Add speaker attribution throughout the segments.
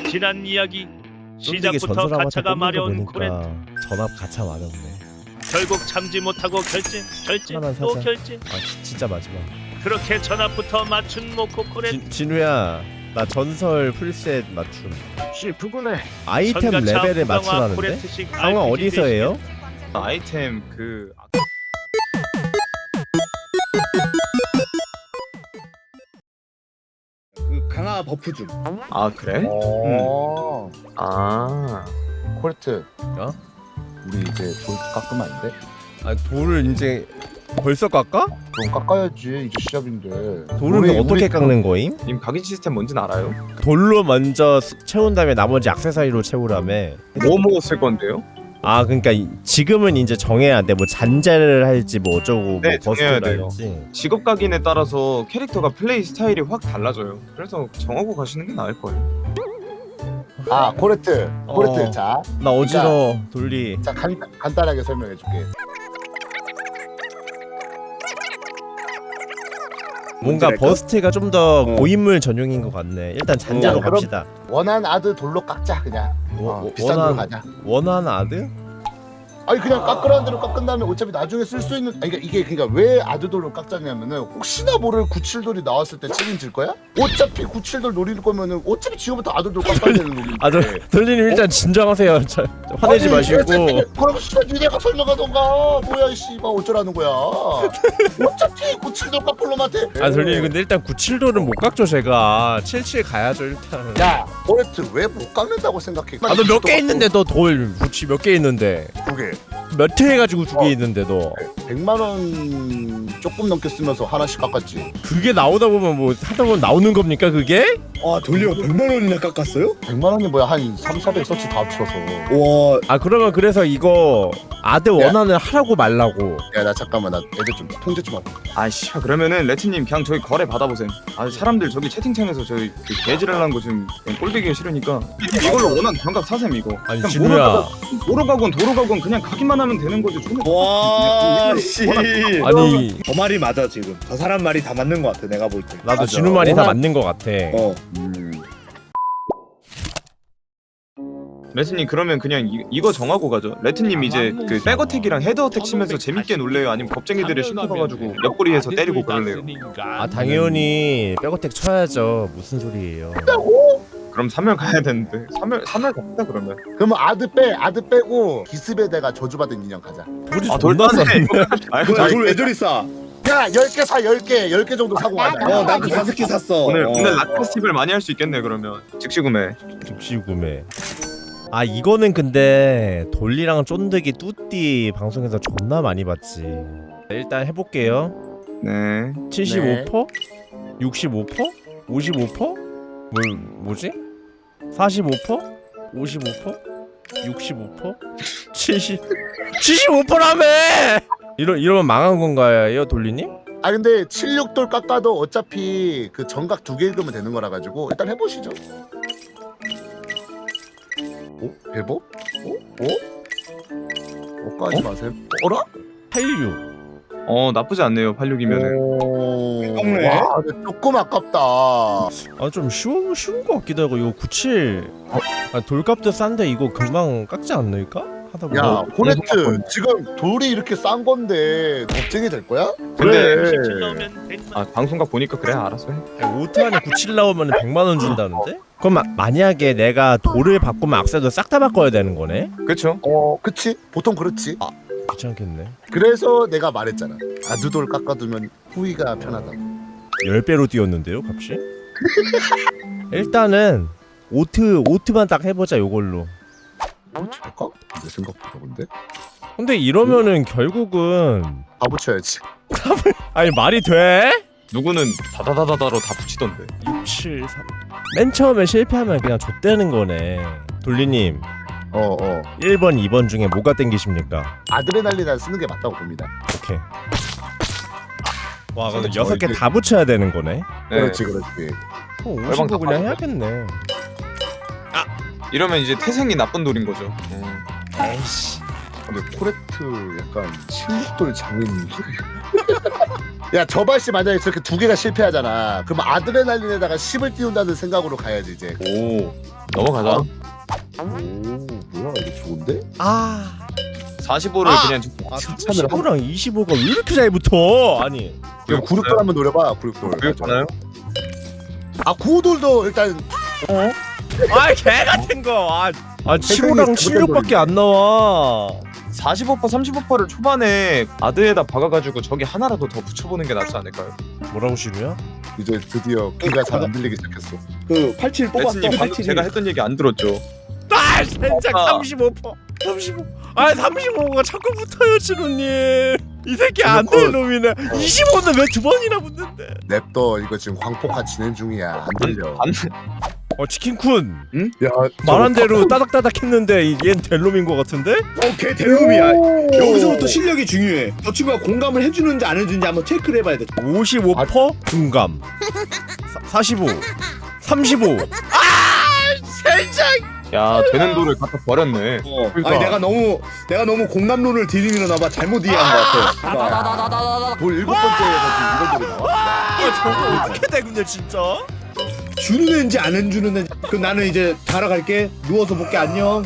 Speaker 1: 지난 이야기.
Speaker 2: 쫀득이
Speaker 1: 시작부터
Speaker 2: 전설아바타
Speaker 1: 가차가
Speaker 2: 뽑는 거
Speaker 1: 마려운 코렌트.
Speaker 2: 보니까 전압 가차 마렵네.
Speaker 1: 결국 참지 못하고 결제
Speaker 2: 하나만
Speaker 1: 또
Speaker 2: 사자.
Speaker 1: 결제.
Speaker 2: 진짜 마지막.
Speaker 1: 그렇게 전압부터 맞춘 모코 코렌트.
Speaker 2: 진우야, 나 전설 풀셋 맞춤.
Speaker 3: 실프구네.
Speaker 2: 아이템
Speaker 1: 전가차
Speaker 2: 레벨에
Speaker 1: 후방화
Speaker 2: 맞추라는데?
Speaker 1: 코렌트식
Speaker 2: 상황
Speaker 1: RPG
Speaker 2: 어디서 해요?
Speaker 3: 아이템
Speaker 4: 그 강화 버프 중.
Speaker 3: 아 그래? 아
Speaker 4: 코레트.
Speaker 2: 어?
Speaker 4: 우리 이제 돌 깎으면 안 돼?
Speaker 2: 아, 돌을 이제 벌써 깎아?
Speaker 4: 그럼 깎아야지. 이제 시작인데.
Speaker 2: 돌은 어떻게 깎는 거임?
Speaker 3: 님 각인 시스템 뭔지는 알아요?
Speaker 2: 돌로 먼저 채운 다음에 나머지 액세서리로 채우라며.
Speaker 3: 뭐 먹었을 건데요?
Speaker 2: 아, 그러니까 지금은 이제 정해야 돼. 뭐 잔재를 할지 뭐 어쩌고
Speaker 3: 네,
Speaker 2: 뭐
Speaker 3: 정해야
Speaker 2: 버스를
Speaker 3: 돼요.
Speaker 2: 할지.
Speaker 3: 직업 각인에 따라서 캐릭터가 플레이 스타일이 확 달라져요. 그래서 정하고 가시는 게 나을 거예요.
Speaker 4: 아 코레트. 코레트.
Speaker 2: 어.
Speaker 4: 자,
Speaker 2: 나 어지러워. 돌리.
Speaker 4: 자 간단하게 설명해줄게.
Speaker 2: 뭔가
Speaker 4: 뭔지 알까?
Speaker 2: 버스트가 좀 더 고인물 전용인 것 같네. 일단 잔재로
Speaker 4: 그럼-
Speaker 2: 갑시다.
Speaker 4: 원한 아드 돌로 깎자 그냥. 비싼 돌 가자.
Speaker 2: 원한 아드?
Speaker 4: 아니 그냥 깎으라는 대로 깎은 다음에 어차피 나중에 쓸 수 있는. 아니, 이게 그러니까 왜 아드돌로 깎자냐면은 혹시나 모를 97돌이 나왔을 때 책임질 거야? 어차피 97돌 노릴 거면은 어차피 지금부터 아드돌 깎아야 되는 놈인데.
Speaker 2: 아, 돌리님 일단 진정하세요. 화내지
Speaker 4: 아니,
Speaker 2: 마시고.
Speaker 4: 그럼 씨발 니네가 설명하던가. 뭐야 이 씨발 어쩌라는 거야. 어차피 97돌 깎을 놈한테.
Speaker 2: 아, 돌리님 근데 일단 97도는 못 깎죠 제가. 77 가야죠 일단.
Speaker 4: 야 코레트 왜 못 깎는다고 생각해?
Speaker 2: 아, 너 몇 개 있는데 너 돌 구치 몇 개 있는데
Speaker 4: 두 개.
Speaker 2: 몇 회 해가지고 두 개 있는데 너
Speaker 4: 100만 원 조금 넘게 쓰면서 하나씩 깎았지.
Speaker 2: 그게 나오다 보면 뭐 하다 보면 나오는 겁니까 그게?
Speaker 5: 아 돌려 100만 원이나 깎았어요?
Speaker 4: 100만 원이 뭐야 한 3, 400 서치 다 합쳐서.
Speaker 5: 와
Speaker 2: 아, 그러면 그래서 이거 아드 원하는 하라고 말라고.
Speaker 4: 야 나 잠깐만 나 애들 좀 통제 좀 할게.
Speaker 3: 아이씨 그러면은 레트님 그냥 저기 거래 받아보세요. 아 사람들 저기 채팅창에서 저희 그 개지랄하는 거 지금 그냥 꼴보기가 싫으니까 이걸로 원한 정각 사셈 이거.
Speaker 2: 아니
Speaker 3: 그냥
Speaker 2: 진우야,
Speaker 3: 뭐로 가건 도로 가건 그냥 가기만 하면 되는 거죠. 저는
Speaker 5: 와, 씨.
Speaker 2: 아니
Speaker 5: 저 말이 맞아 지금. 저 사람 말이 다 맞는 것 같아 내가 볼 때.
Speaker 2: 나도
Speaker 4: 맞아.
Speaker 2: 진우 말이 다
Speaker 4: 워낙-
Speaker 2: 맞는 것 같아.
Speaker 3: 레트님 그러면 그냥 이거 정하고 가죠. 레트님 이제 그 백어택이랑 헤드어택 치면서 재밌게 놀래요? 아니면 겁쟁이들을 신고가가지고 옆구리에서 때리고 그럴래요?
Speaker 2: 아, 당연히 백어택 쳐야죠. 무슨 소리예요?
Speaker 3: 그럼 3열 가야 되는데 3열 갑시다 그러면.
Speaker 4: 그러면 아드 빼고 기습에다가 저주받은 인형 가자.
Speaker 2: 우리
Speaker 3: 아
Speaker 2: 존나
Speaker 3: 돌파네.
Speaker 2: 쌌네.
Speaker 3: 아
Speaker 5: 뭐야 돌왜 저리 싸?
Speaker 4: 야 10개 사 10개 정도 사고 가자.
Speaker 5: 나도 5개 샀어.
Speaker 3: 오늘 라트 페스티벌 많이 할 수 있겠네 그러면. 즉시 구매.
Speaker 2: 즉시 구매. 아, 이거는 근데 돌리랑 쫀득이 뚜띠 방송에서 존나 많이 봤지. 일단 해볼게요.
Speaker 3: 네.
Speaker 2: 75%? 65%? 55%? 뭐지? 45%? 55%? 65%? 75%라며! 이러면 망한 건가요, 돌리님?
Speaker 4: 아 근데 76돌 깎아도 어차피 그 정각 2개 읽으면 되는 거라 가지고 일단 해보시죠. 오? 배법? 까지 마세요. 어라?
Speaker 2: 86.
Speaker 3: 나쁘지 않네요 86이면은.
Speaker 5: 깎네.
Speaker 4: 와 근데 조금 아깝다.
Speaker 2: 아, 좀 쉬운 거 같기도 하고. 이거 97. 아, 돌값도 싼데 이거 금방 깎지 않을까? 하다 보면.
Speaker 4: 야 코네트 지금 돌이 이렇게 싼 건데 겁쟁이 될 거야?
Speaker 3: 근데
Speaker 1: 97 나오면 100만.
Speaker 3: 아 방송각 보니까 그래 알았어 해.
Speaker 2: 오트 안에 97 나오면 100만원 준다는데? 그럼 만약에 내가 돌을 바꾸면 악세도 싹 다 바꿔야 되는 거네?
Speaker 3: 그쵸?
Speaker 4: 그치? 보통 그렇지.
Speaker 2: 귀찮겠네.
Speaker 4: 그래서 내가 말했잖아. 아두돌 깎아두면 후위가 편하다고.
Speaker 2: 10배로 뛰었는데요, 값이? 일단은 오트만 딱 해보자, 요걸로.
Speaker 4: 잠깐? 내 생각보다 근데?
Speaker 2: 근데 이러면은 결국은
Speaker 4: 다 붙여야지.
Speaker 2: 아니 말이 돼?
Speaker 3: 누구는 다다다다다로 다 붙이던데.
Speaker 2: 6, 7, 3. 맨 처음에 실패하면 그냥 좆되는 거네. 돌리님 1번, 2번 중에 뭐가 땡기십니까?
Speaker 4: 아드레날린을 쓰는 게 맞다고 봅니다.
Speaker 2: 오케이. 와, 그럼
Speaker 4: 진짜
Speaker 2: 6개 다 붙여야 되는 거네?
Speaker 3: 네.
Speaker 4: 그렇지.
Speaker 2: 50도 그냥 해야겠네.
Speaker 3: 이러면 이제 태생이 나쁜 돌인 거죠.
Speaker 2: 에이씨.
Speaker 4: 근데 코레트 약간 16돌 장인 야 저발씨 만약에 저렇게 두 개가 실패하잖아. 그럼 아드레날린에다가 10을 띄운다는 생각으로 가야지 이제.
Speaker 3: 오 넘어가자.
Speaker 4: 오 뭐야 이거 좋은데?
Speaker 2: 아
Speaker 3: 45를 그냥
Speaker 2: 아,
Speaker 4: 칭찬을
Speaker 2: 35랑 25가 왜 이렇게 잘 붙어? 아니
Speaker 4: 그럼 구륙돌 한번 노려봐 구륙돌.
Speaker 3: 그렇잖아요.
Speaker 4: 아 구호돌도 일단
Speaker 2: 아 개같은 거. 75랑 76밖에 안 나와.
Speaker 3: 45% 35%를 초반에 아드에다 박아가지고 저기 하나라도 더 붙여보는 게 낫지 않을까요?
Speaker 2: 뭐라고 시루야?
Speaker 4: 이제 드디어 귀가 잘 안 들리기 시작했어.
Speaker 5: 그 87 뽑았어.
Speaker 3: 레츠님 방금
Speaker 5: 87이.
Speaker 3: 제가 했던 얘기 안 들었죠?
Speaker 2: 아 진짜
Speaker 3: 아.
Speaker 2: 35%. 35. 아 35가 자꾸 붙어요 지루님. 이 새끼 안 될 놈이네. 25는 왜 두 번이나 붙는데?
Speaker 4: 냅둬 이거 지금 광폭화 진행 중이야 안 들려.
Speaker 2: 치킨쿤
Speaker 4: 야
Speaker 2: 말한 대로 따닥따닥 했는데 얘는 될 놈인 것 같은데?
Speaker 5: 걔 델롬이야. 여기서부터 실력이 중요해. 저 친구가 공감을 해주는지 안 해주는지 한번 체크를 해봐야 돼.
Speaker 2: 55% 공감 45 35 진짜
Speaker 3: 야 되는 돌을 갖다 버렸네.
Speaker 2: 그러니까.
Speaker 5: 아니 내가 너무 공감론을 들이밀어나봐. 잘못 이해한 것 같아.
Speaker 4: 돌 7번째에서 지금 이런 돌이 나와.
Speaker 2: 저거 어떻게 돼 근데 진짜?
Speaker 5: 주는 애인지 안 해주는 애인지. 그럼 나는 이제 자러 갈게. 누워서 볼게. 안녕.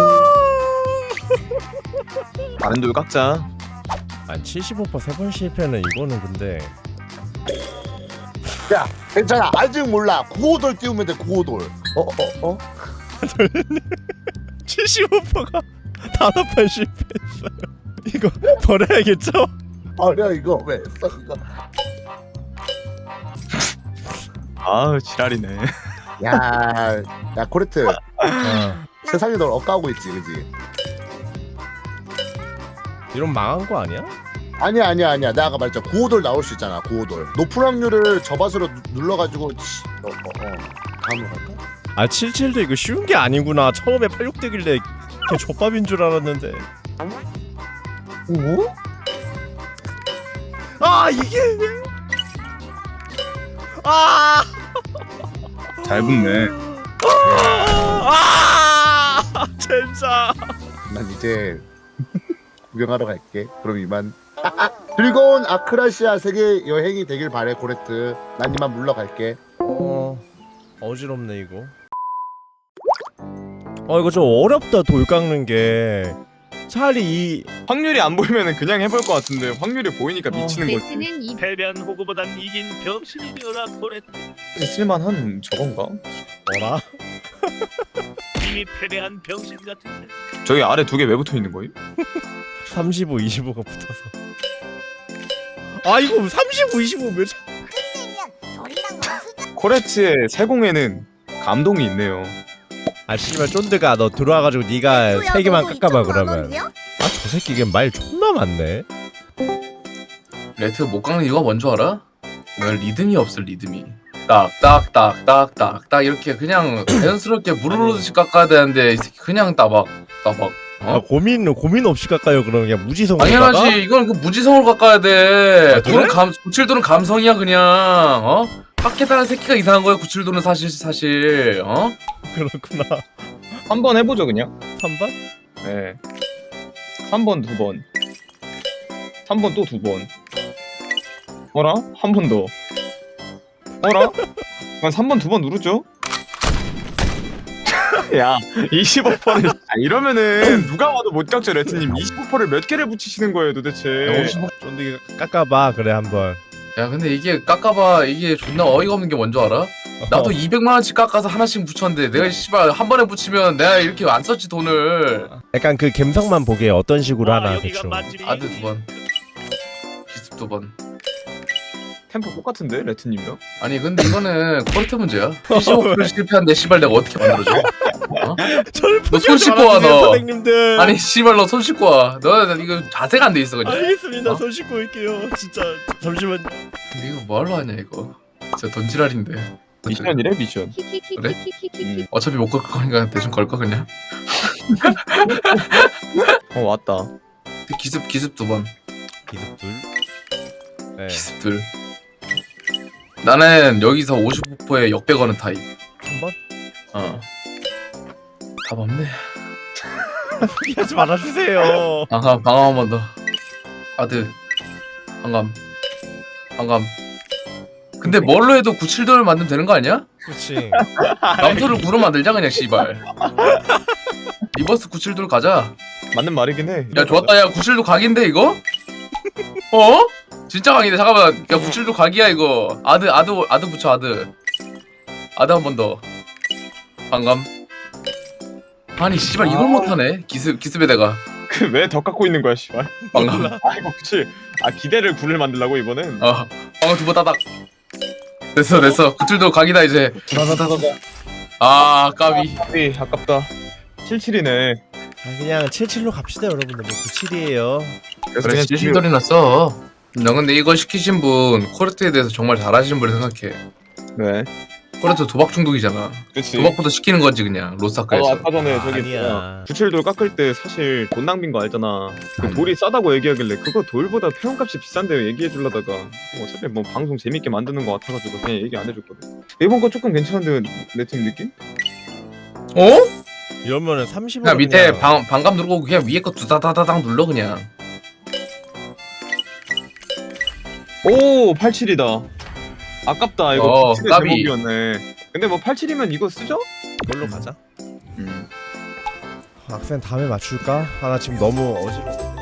Speaker 3: 다른 돌 깎자.
Speaker 2: 아니 75% 3번 실패는 이거는 근데
Speaker 4: 야 괜찮아 아직 몰라 구호돌 띄우면 돼 구호돌.
Speaker 2: 75%가 5번 실패했어요. 이거 버려야겠죠?
Speaker 4: 아니야 이거 왜 써 이거.
Speaker 3: 아 지랄이네.
Speaker 4: 야 코레트 세상에 널 억까고 있지 그지?
Speaker 2: 이런 망한 거 아니야?
Speaker 4: 아니야 내가 아까 말했잖아 구호돌 나올 수 있잖아 구호돌. 높은 확률을 저밭으로 눌러가지고 다음으로 갈까?
Speaker 2: 아 77도 이거 쉬운 게 아니구나. 처음에 86대길래 그냥 족밥인 줄 알았는데.
Speaker 4: 오?
Speaker 2: 아 이게 아
Speaker 3: 잘 붙네.
Speaker 2: 진짜
Speaker 4: 난 이제 구경하러 갈게. 그럼 이만. 즐거운 아크라시아 세계 여행이 되길 바래 고레트. 난 이만 물러갈게.
Speaker 2: 어지럽네 이거. 이거 좀 어렵다 돌 깎는 게. 차라리 이
Speaker 3: 확률이 안 보이면은 그냥 해볼 것 같은데 확률이 보이니까 미치는 거지.
Speaker 6: 베스는 이
Speaker 1: 패배한 호구보단 이긴 병신이여라 코레트.
Speaker 3: 쓸만한 저건가?
Speaker 2: 뭐라?
Speaker 1: 이미 패배한 병신 같은데.
Speaker 3: 저기 아래 두 개 왜 붙어 있는 거임?
Speaker 2: 35, 25가 붙어서. 아 이거 35, 25 몇?
Speaker 3: 코레트의 세공에는 감동이 있네요.
Speaker 2: 아 씨발 쫀드가 너 들어와가지고 네가 세 개만 깎아봐 그러면. 아 저 새끼 이게 말 존나 많네.
Speaker 7: 레트 못 깎는 이유가 뭔 줄 알아? 왜 리듬이 없어 리듬이. 딱딱딱딱딱딱 이렇게 그냥 자연스럽게 물 흐르듯이 깎아야 되는데 이 새끼 그냥 따박.
Speaker 2: 아 고민 없이 깎아요 그러면 그냥 무지성으로 깎아?
Speaker 7: 당연하지. 이건 그 무지성으로 깎아야 돼.
Speaker 2: 아, 그래?
Speaker 7: 97도는 감성이야 그냥. 깎겠다는 새끼가 이상한 거야. 97도는 사실.
Speaker 2: 그렇구나.
Speaker 3: 한 번 해보죠 그냥.
Speaker 2: 3번?
Speaker 3: 네. 3번 2번. 3번 또 2번. 어라? 한 번 더. 어라? 그럼 3번 2번 누르죠? 야 25%를 이러면은 누가 와도 못 깎죠 레트님. 25%를 몇 개를 붙이시는 거예요 도대체.
Speaker 2: 쫀득이 깎아봐 그래 한번.
Speaker 7: 야 근데 이게 깎아봐 이게 존나 어이가 없는 게 뭔 줄 알아? 나도 200만 원씩 깎아서 하나씩 붙였는데 내가 씨발 한 번에 붙이면 내가 이렇게 안 썼지 돈을.
Speaker 2: 약간 그 감성만 보게 어떤 식으로 하나
Speaker 1: 여기가
Speaker 2: 대충.
Speaker 1: 맛집이.
Speaker 7: 아드 2번 기습 2번.
Speaker 3: 템포 똑같은데 레트님이랑?
Speaker 7: 아니 근데 이거는 퀄리티 문제야. 15% 실패한데 씨발 내가 어떻게 만들어줘? 너 손 씻고 와 너.
Speaker 2: 선생님들.
Speaker 7: 아니 씨발 너 손 씻고 와. 너 이거 자세가 안 돼 있어 그냥.
Speaker 2: 알겠습니다. 손 씻고 올게요. 진짜 잠시만.
Speaker 7: 근데 이거 뭐하러 하냐 이거. 진짜 돈지랄인데.
Speaker 3: 미션이래 미션.
Speaker 6: 키키키키키키키.
Speaker 7: 어차피 못 걸 거니까 대충 걸까 그냥.
Speaker 3: 왔다.
Speaker 7: 기습 2번.
Speaker 2: 기습 둘. 네.
Speaker 7: 기습 둘. 나는 여기서 55%에 역배 거는 타입.
Speaker 2: 3번?
Speaker 7: 답 없네.
Speaker 2: 하지 말아주세요.
Speaker 7: 방감 한 번 더. 아드. 방감. 반감. 근데 뭘로 해도 97돌 만들면 되는 거 아니야?
Speaker 2: 그렇지.
Speaker 7: 남소를 9로 만들자 그냥 씨발. 리버스 97돌 가자.
Speaker 3: 맞는 말이긴 해.
Speaker 7: 야 좋았다. 야 97돌 각인데 이거? 어? 진짜 각이네. 잠깐만. 야 97돌 각이야 이거. 아드 붙여 아드. 아드 한 번 더. 반감. 아니 씨발 이걸 못하네. 기습에다가.
Speaker 3: 왜 더 깎고 있는 거야 씨발.
Speaker 7: 반감.
Speaker 3: 아이고 그치. 아 기대를 굴을 만들라고 이번엔.
Speaker 7: 방금 두번 따닥. 됐어. 97돌 각이다 이제. 아 까비.
Speaker 3: 에이 아깝다. 77이네.
Speaker 2: 아, 그냥 77로 갑시다 여러분들. 뭐 97이에요.
Speaker 3: 그래서
Speaker 7: 그래
Speaker 3: 그냥
Speaker 7: 70돌이 났어. 나 근데 이거 시키신 분 코르트에 대해서 정말 잘하시는 분을 생각해.
Speaker 3: 네.
Speaker 7: 코르트 도박 중독이잖아.
Speaker 3: 그치.
Speaker 7: 도박부터 시키는 거지 그냥 로스타카에서.
Speaker 3: 아까 전에 저기
Speaker 2: 아니야.
Speaker 3: 97돌 깎을 때 사실 돈 낭비인 거 알잖아. 그
Speaker 7: 아니.
Speaker 3: 돌이 싸다고 얘기하길래 그거 돌보다 회원값이 비싼데 얘기해 주려다가 어차피 뭐 방송 재밌게 만드는 거 같아가지고 그냥 얘기 안 해줬거든. 이번 거 조금 괜찮은데 내 팀 느낌?
Speaker 7: 어?
Speaker 2: 이러면은 30원.
Speaker 7: 그냥 밑에 방감 누르고 그냥 위에 거 두다다다당 눌러 그냥.
Speaker 3: 오 87이다. 아깝다 이거 87의
Speaker 7: 까비.
Speaker 3: 제목이었네. 근데 뭐 87이면 이거 쓰죠?
Speaker 2: 이걸로 가자.
Speaker 3: 음.
Speaker 2: 악센 다음에 맞출까? 아 나 지금 너무 어지러워.